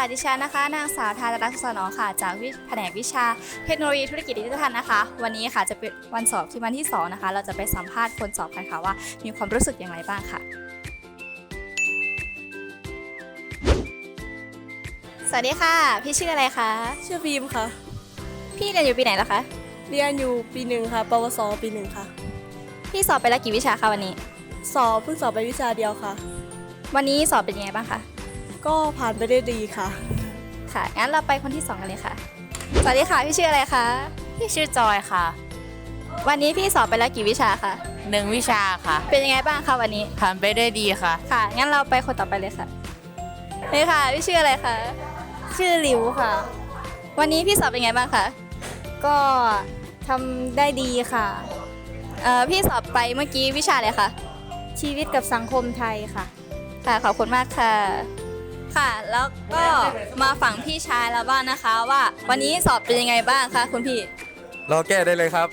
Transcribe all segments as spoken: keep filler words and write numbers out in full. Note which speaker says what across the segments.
Speaker 1: ดิฉันนะคะนางสาวธารรักษ์สนอค่ะจากวิแผนกวิชาเทคโนโลยีธุรกิจดิจิทัลนะคะวันนี้ค่ะจะเป็นวันสอบที่วันที่สองนะคะเราจะไปสัมภาษณ์คนสอบกันค่ะว่ามีความรู้สึกอย่างไรบ้างค่ะสวัสดีค่ะพี่ชื่ออะไรคะ
Speaker 2: ชื่อฟิล์มค่ะ
Speaker 1: พี่เรียนอยู่ปีไหนแล้วคะ
Speaker 2: เรียนอยู่ปีหนึ่งค่ะ ปวสปีหนึ่งค่ะ
Speaker 1: พี่สอบไปแล้วกี่วิชาคะวันนี้
Speaker 2: สอบเพิ่งสอบไปวิชาเดียวค่ะ
Speaker 1: วันนี้สอบเป็นยังไงบ้างคะ
Speaker 2: ก็ผ่านไปได้ดีค่ะ
Speaker 1: ค่ะงั้นเราไปคนที่สองกันเลยค่ะสวัสดีค่ะพี่ชื่ออะไรคะ
Speaker 3: พี่ชื่อจอยค่ะ
Speaker 1: วันนี้พี่สอบไปแล้วกี่วิชาคะ
Speaker 3: หนึ่งวิชาค่ะ
Speaker 1: เป็นยังไงบ้างคะวันนี้
Speaker 3: ผ่านไปได้ดีค่ะ
Speaker 1: ค่ะงั้นเราไปคนต่อไปเลยค่ะนี่ค่ะพี่ชื่ออะไรคะ
Speaker 4: ชื่อหลิวค่ะ
Speaker 1: วันนี้พี่สอบเป็นไงบ้างคะ
Speaker 4: ก็ทำได้ดีค่ะ
Speaker 1: เอ่อพี่สอบไปเมื่อกี้วิชาอะไรคะ
Speaker 4: ชีวิตกับสังคมไทยค่ะ
Speaker 1: ค่ะขอบคุณมากค่ะ ค่ะแล้วก็มาฝั่งพี่ชายแล้วบ้างนะคะว่าวันนี้สอบเป็นยังไงบ้างคะคุณพี่
Speaker 5: รอแก้ได้เลยครับ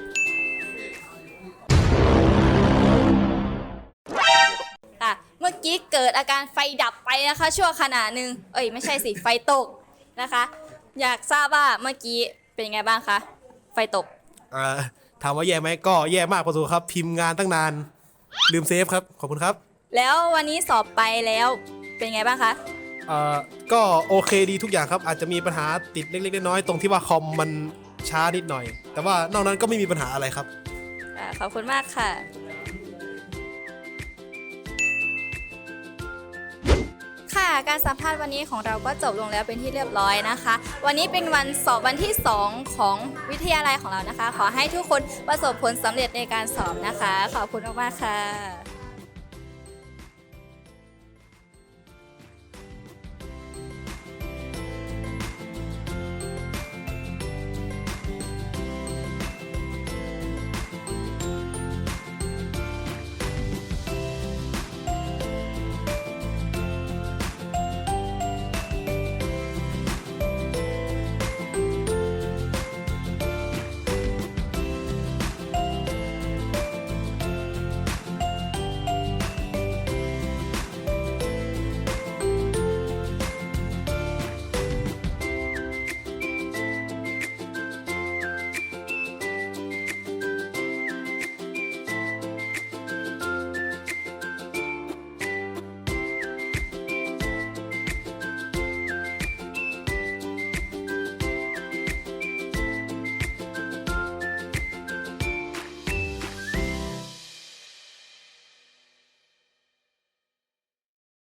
Speaker 1: ค่ะเมื่อกี้เกิดอาการไฟดับไปนะคะชั่วขณะหนึ่งเอ้ยไม่ใช่สิไฟตกนะคะ อยากทราบว่าเมื่อกี้เป็นยังไงบ้างคะไฟตก
Speaker 6: อ่าถามว่าแย่ไหมก็แย่มากพอสมควรครับพิมพ์งานตั้งนานลืมเซฟครับขอบคุณครับ
Speaker 1: แล้ววันนี้สอบไปแล้วเป็นยังไงบ้างคะ
Speaker 6: อ่าก็โอเคดีทุกอย่างครับอาจจะมีปัญหาติดเล็กๆน้อยๆตรงที่ว่าคอมมันช้านิดหน่อย แต่ว่านอกนั้นก็ไม่มีปัญหาอะไรครับ
Speaker 1: อ่าขอบคุณมากค่ะ ค่ะการสัมภาษณ์วันนี้ของเราก็จบลงแล้วเป็นที่เรียบร้อยนะคะ วันนี้เป็นวันสอบวันที่สองของวิทยาลัยของเรานะคะ ขอให้ทุกคนประสบผลสำเร็จในการสอบนะคะ ขอบคุณมากๆค่ะ